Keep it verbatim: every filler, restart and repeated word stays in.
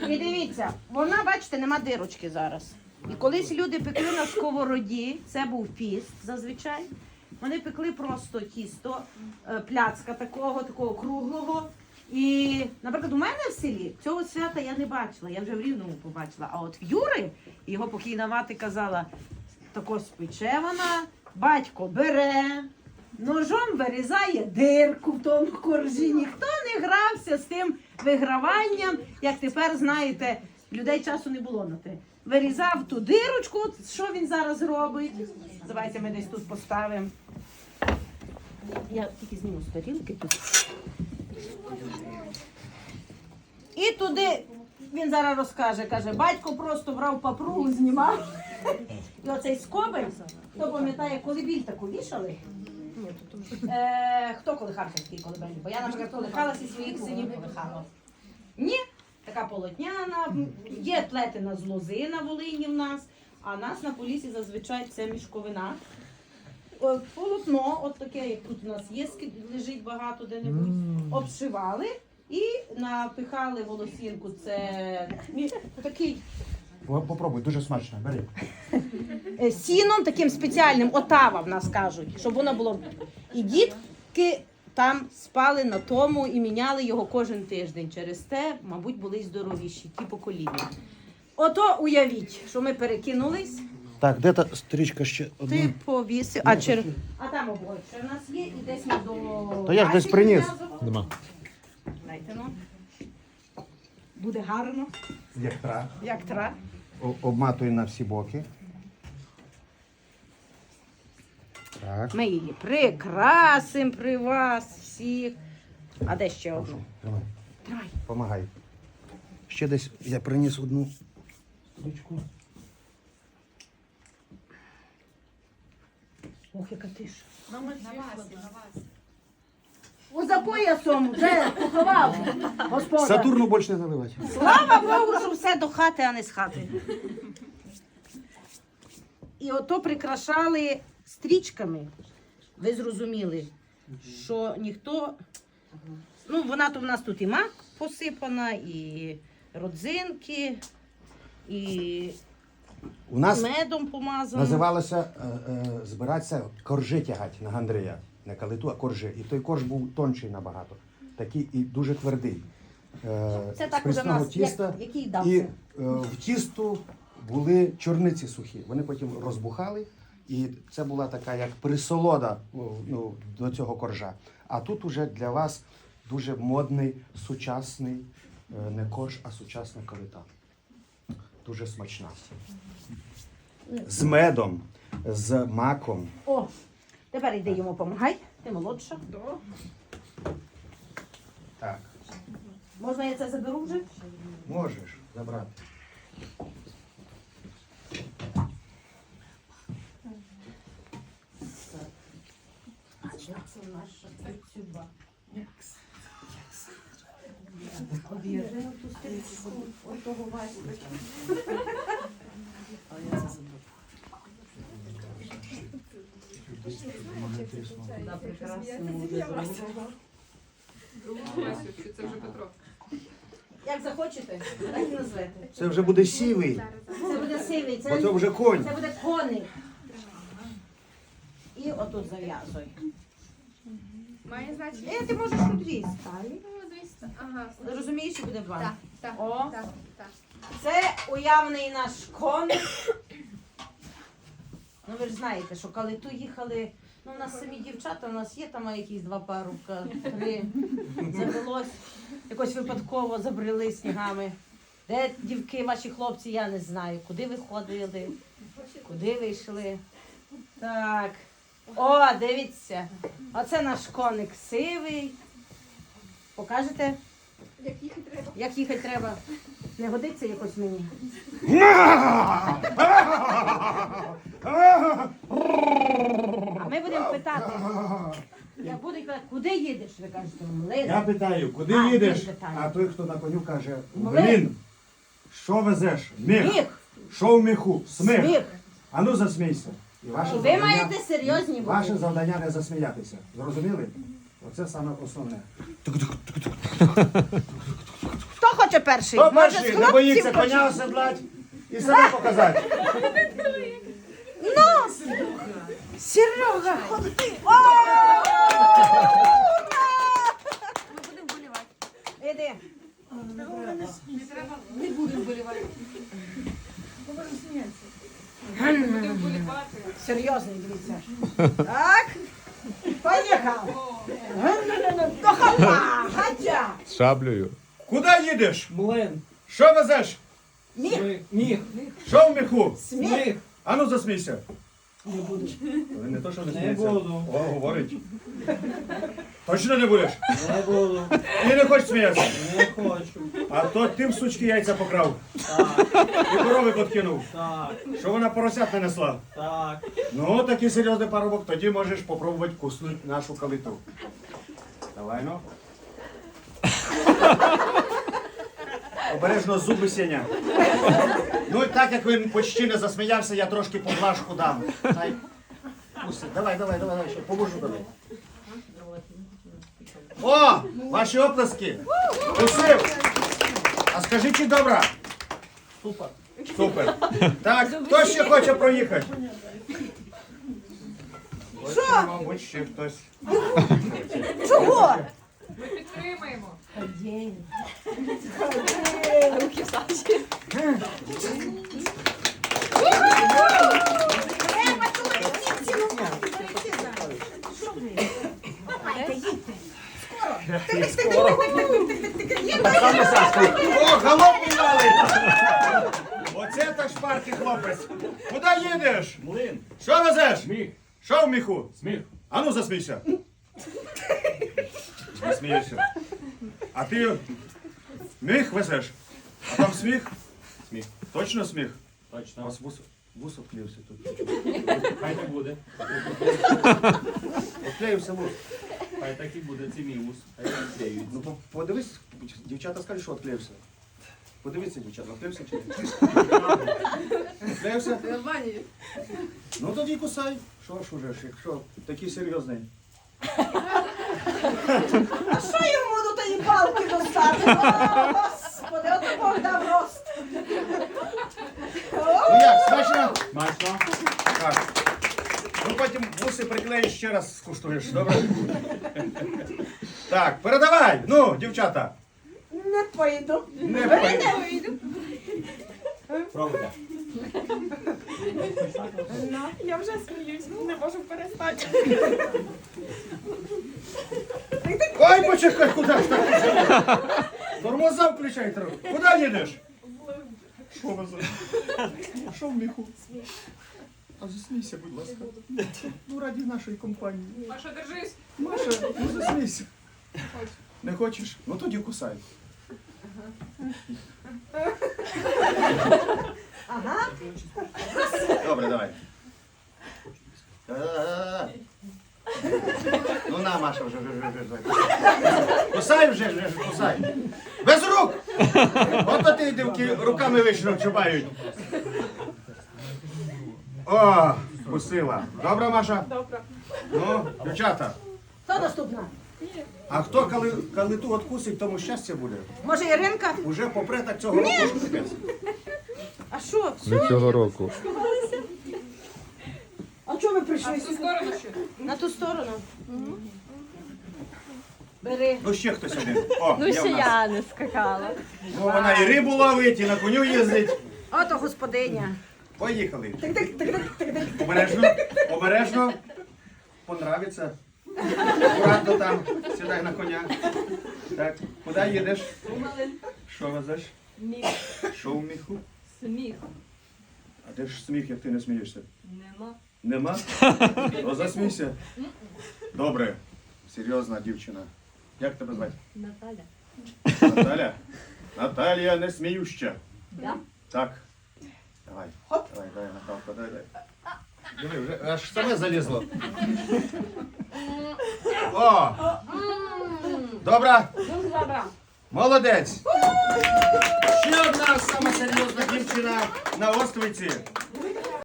І дивіться, вона, бачите, нема дирочки зараз. І колись люди пекли на сковороді, це був піст зазвичай. Вони пекли просто тісто, пляцка такого, такого круглого. І, наприклад, у мене в селі цього свята я не бачила, я вже в Рівному побачила. А от в Юри, його покійна мати казала, тако спече вона, батько бере, ножом вирізає дирку в тому коржі. Ніхто не грався з тим виграванням, як тепер, знаєте, людей часу не було на те. Вирізав ту дирочку, що він зараз робить. Давайте ми десь тут поставимо. Я тільки зніму з тарілки тут. І туди він зараз розкаже, каже, батько просто брав папругу, знімав. І оцей скобель, хто пам'ятає, колибіль таку вішали? Е, хто колихався такий колибель? Бо я, наприклад, колихалася і своїх синів колихала. Ні, така полотняна, є плетена з лози на Волині в нас, а нас на Поліссі зазвичай це мішковина. О, полотно, от таке, як тут у нас є, лежить багато де-небудь, обшивали і напихали волосінку. Це такий... Попробуй, дуже смачно, бери. Сіном таким спеціальним, отава в нас кажуть, щоб воно було. І дітки там спали на тому і міняли його кожен тиждень. Через те, мабуть, були й здоровіші, ті покоління. Ото уявіть, що ми перекинулись. Так, де та стрічка ще одна? Ти повісив, а, чер... а там обоє ще в нас є, і десь ми до... То я ж десь приніс. Нема. Дайте, ну. Буде гарно, Як тра. як тра. О- Обматуй на всі боки. Так. Ми її прикрасимо при вас всіх. А де ще одну? Тримай. Тримай. Помагай. Ще десь я приніс одну стрічку. Ох, яка тиша. О, за поясом вже поховав господар. Сатурну більше не заливати. Слава Богу, що все до хати, а не з хати. І ото прикрашали стрічками. Ви зрозуміли, що ніхто... Ну, вона то в нас тут і мак посипана, і родзинки, і У нас медом помазано. називалося е, е, збиратися коржи тягати на Гандрія. Не калиту, а коржи. І той корж був тонший набагато. Такий і дуже твердий. Е, Це з так уже в прісного нас, тіста. як, який І дався. е, в тісту були чорниці сухі. Вони потім розбухали. І це була така як присолода ну, до цього коржа. А тут уже для вас дуже модний, сучасний, е, не корж, а сучасна калита. Дуже смачна. З медом, з маком. О, тепер йди йому помагай. Ти молодша. Так, Можна я це заберу вже? можеш забрати. А це наша цюба. Об'єднуємо ту стрічку. Отого Васька. На прекрасному другого. Це вже Петро. Як захочете, так і назвете. Це вже буде сівий, Це буде сивий, бо це, це вже конь. це буде коник. І отут зав'язуй. Має значення? Е, ти можеш тут дві сталі. Ну, дивіться. Ага. Розумієш, що буде два? Так, так, О. так, так. Це уявний наш коник. Ну ви ж знаєте, що коли ту їхали, ну у нас самі дівчата, у нас є там якісь два парубка, три. Завелось, якось випадково забрели снігами. Де дівки, ваші хлопці, я не знаю. Куди ви ходили, куди ви йшли. Так. О, дивіться. Оце наш коник сивий. Покажете? Як їхати треба? Як їхати треба? Не годиться якось мені? А ми будемо питати. Я буду казати, куди їдеш? Ви кажете, в Млин. Я питаю, куди А, їдеш? ти питаєш. А той, хто на коню, каже, Млин. блін, що везеш? Міх. Міх. Що в міху? Сміх. Сміх. А ну засмійся. І ваше І ви завдання- маєте серйозні Ваше бути. завдання не засміятися. Зрозуміли? Оце саме основне. Хто хоче перший? Хто Може, з перший? Не хлопців боїться почне? коня оседлати і себе показати. Ну! Серега, ходи! О! Ми будемо болівати. Іди. Не будемо болівати. Серйозний, дивіться. Так. Поїхав. До хапа. Гатя. З шаблею. Куди їдеш? Млин. Що везеш? Міх. Сміх. Міх. Що в міху? Сміх. Сміх. Ану засмійся. Не буду. Не то, що не Не сміється. буду. О, говорить. Точно не будеш? Не буду. Ти не хочеш сміятися? Не хочу. А то ти в сучки яйця покрав. Так. І корови подкинув. Так. Що вона поросят не несла? Так. Ну, такий серйозний парубок, тоді можеш попробувати куснути нашу калиту. Давай, ну. Обережно зуби Сеня. Ну, і так як він почти не засміявся, я трошки поглажку дам. Дай. Куси. Давай, давай, давай, давай, ще поможу давай. О! Ваші оплески! Кусив! А скажи, чи добра? Супер. Супер. Так, хто ще хоче проїхати? Що? Мабуть, ще хтось. Чого? Ми підтримаємо. Руки в Саші. Треба чоловіків цілувати. Що ви? Давайте, їдьте. Скоро. О, галопу валить! Оце так шпаркий хлопець. Куди їдеш? Млин. Що везеш? Сміх. Що в міху? Сміх. Ану засмійся. Не смієшся. А ти міх везеш? А там сміх? Сміх. Точно сміх? У Точно. вас вус, вус обклеївся тут. Хай не буде. Обклеївся вус. Хай так і буде. Це мій вус. Хай не клеюють. Ну по- подивись, дівчата скажуть, що обклеївся. Подивіться, дівчата, обклеївся чи ні? Обклеївся? Ну тоді кусай. Що ж уже ж, якщо такий серйозний. А що йому до тої палки достати? О, Господи, от Бог дав рост. Ну як, смачно? Смачно. Так. Ну потім вуси приклеїш, ще раз скуштуєш, добре? Так, передавай! Ну, дівчата! Не пойду. Не пойду. Пробуйте. Я вже сміюсь, не можу перестати. Ой, почекай, куди ж так? Тормоза включай трохи. Куди їдеш? Що везеш? Що в міху? А засмійся, будь ласка. Ну, раді нашої компанії. Маша, держись. Маша, ну засмійся. Не хочеш? Ну тоді кусай. Ага. Добре, давай. Да-да-да-да. Ну на, Маша, вже, вже, вже, вже. Кусай вже, вже, вже, кусай. Без рук! От ти дівки руками вийшли чубають. О, кусила. Добре, Маша? Добре. Ну, дівчата. Хто наступна? А хто коли, коли ту откусить, тому щастя буде. Може Іринка? Уже попре так цього року, що капець. А що? Від цього року. А чого ви А прийшли? в ту сторону ще? На ту сторону. Бери. Ну ще хтось один. О, Ну, є ще в нас. я не скакала. Ну, вона і рибу ловить, і на коню їздить. Ото господиня. Поїхали. Обережно, обережно. Понравиться. Аккуратно там, сідай на коня. Так, куди їдеш? Що везеш? Міх. Що в міху? Сміх. А де ж сміх, як ти не смієшся? Нема. Нема? Ну засмійся. Добре, серйозна дівчина. Як тебе звати? Наталя. Наталя? Наталія не сміюща. Да? Так. Давай. Давай, давай, Наталка, дай, дай. Диви, вже аж саме залізло. О! Добре? Молодець! Ще одна сама серйозна дівчина на островці.